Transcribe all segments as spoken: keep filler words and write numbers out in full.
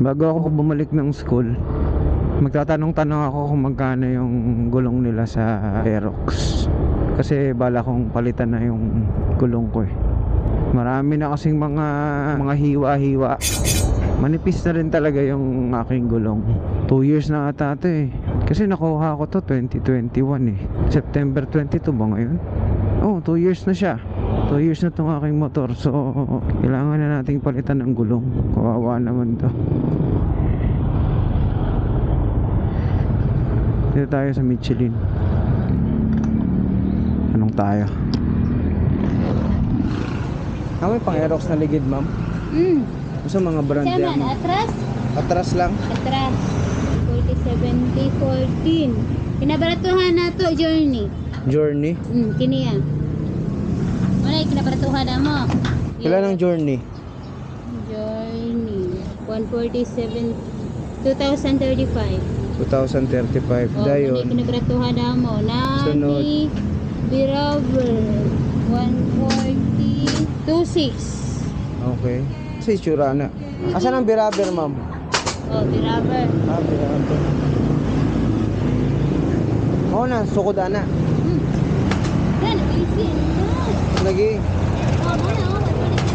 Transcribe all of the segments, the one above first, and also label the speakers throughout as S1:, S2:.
S1: Bago ako bumalik ng school, magtatanong-tanong ako kung magkano yung gulong nila sa Aerox. Kasi bala kong palitan na yung gulong ko eh. Marami na kasing mga mga hiwa-hiwa. Manipis na rin talaga yung aking gulong. two years na ata ito eh. Kasi nakuha ko to twenty twenty-one eh. September twenty-two ba ngayon? Oh, two years na siya. two years na tong aking motor. So, kailangan na nating palitan ng gulong. Kawawa naman to. Dito tayo sa Michelin. Anong tayo? Ah, may pang Aerox na ligid, ma'am?
S2: Hmm.
S1: Gusto mga brand
S2: Siya
S1: yan,
S2: man,
S1: ma'am?
S2: atras?
S1: Atras lang?
S2: Atras. forty seventy fourteen. Kinabaratuhan na to, Journey.
S1: Journey?
S2: Hmm, kini yan. Wala yung kinabaratuhan na mo.
S1: Kailan ang Journey?
S2: Journey. one forty-seven. twenty thirty-five.
S1: twenty thirty-five.
S2: Oh,
S1: Dayon.
S2: wala yung kinabaratuhan na mo.
S1: Sunod.
S2: Nani Biraber. one forty. twenty-six.
S1: Okay. Sa itsura na. Asan ang biraber, ma'am?
S2: Oh, Biraber.
S1: Ah, biraber. Oo na, sukod ana.
S2: Hmm. Yan, easy.
S1: Lagi.
S2: Oh, mana, oh,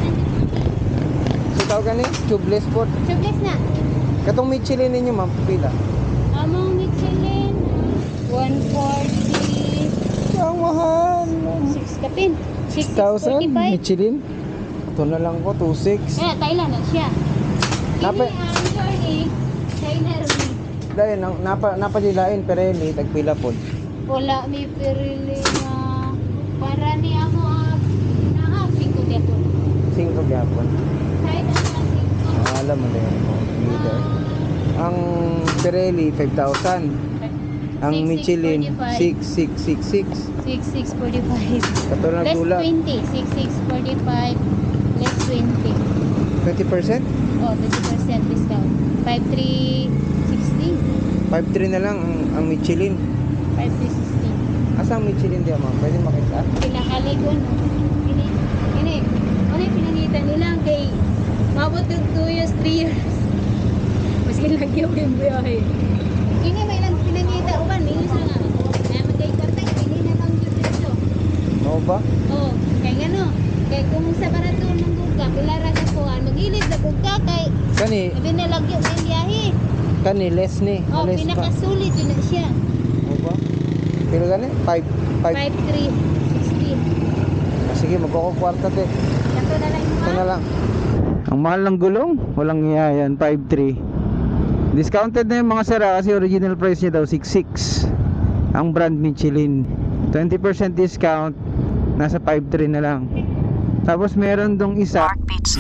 S1: Sitaw ka ni? Tubeless po.
S2: Tubeless na.
S1: Katong Michelin ninyo, ma'am. Pila?
S2: Among Michelin, one forty.
S1: Ang mahal.
S2: six kapin.
S1: six thousand?
S2: forty-five.
S1: Michelin? Ito na lang ko, two six.
S2: Kaya, Thailand na siya.
S1: Napa-
S2: Kini ang Journey, China rin.
S1: Dahil, nang- napa, napadilain, Pirelli, tagpila po.
S2: Wala may pirili na para ni amo ang nahap. Singko di ako.
S1: Singko gyapon.
S2: China na singko.
S1: Ah, alam mo din. Leader. Ang Pirelli, five thousand. Ang
S2: Six, six,
S1: Michelin,
S2: forty-five.
S1: six six six six.
S2: six six forty-five.
S1: Katulad
S2: Less
S1: ng gula.
S2: twenty. six six forty-five. Less twenty.
S1: twenty percent?
S2: Oh, twenty percent discount. five three sixty.
S1: five three na lang ang, ang Michelin.
S2: five three sixty.
S1: Asa ang Michelin diya, ma'am? Pwede makita?
S2: Pinakaligon. Ini, ini, ano yung pinangitan nila kay mabot yung two years, three years. Mas lagi ako yung biyahe. Ini may lang pinangita uban, may isa nga. Kaya magkay kartay, hindi na lang yung dito.
S1: Oo ba?
S2: Oh, kaya nga no. Kaya kung sa barato ng buka, pilara ka po, magilid na buka kay
S1: Kani,
S2: sabi na lagi yung biyahe.
S1: kani less ni.
S2: Oh,
S1: Less pa.
S2: pinakasulit yun na siya.
S1: Oo ba? Pero gani, five five.
S2: five three sixty.
S1: Sige, magkukwarta te.
S2: Kato na lang yung
S1: Ito na lang. Ang mahal ng gulong, walang iya yan, five three. Discounted na yung mga sira kasi original price niya daw six six. Ang brand Michelin. twenty percent discount, nasa five three na lang. Tapos meron dong isa.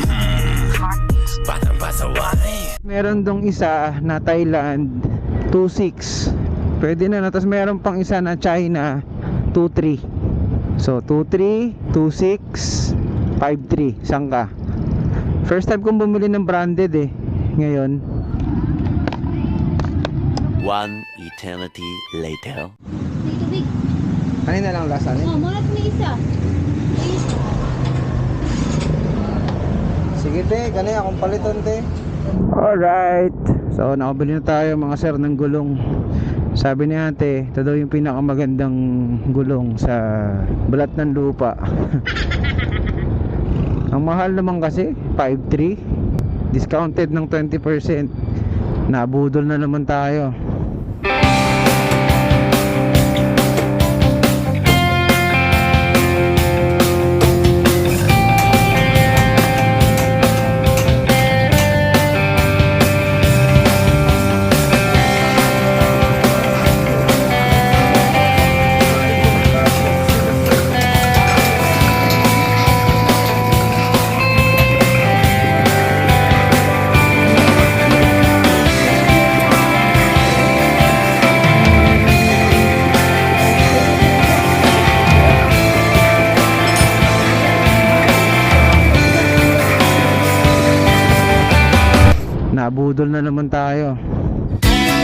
S1: Meron dong isa na Thailand two six. Pwede na, tapos meron pang isa na China two three. So two three, two six, five three. Saan ka? First time kong bumili ng branded eh. Ngayon.
S3: One eternity later.
S2: tubig.
S1: Kanina lang lasa niya.
S2: Oh, mga ni isa. Isa.
S1: Sige te, kanina akong palitan te. Alright. So nakabili na tayo mga sir ng gulong. Sabi ni ate, ito daw yung pinakamagandang gulong sa balat ng lupa. Ang mahal naman kasi, five three. Discounted ng twenty percent. Nabudol na naman tayo. Nabudol na naman tayo.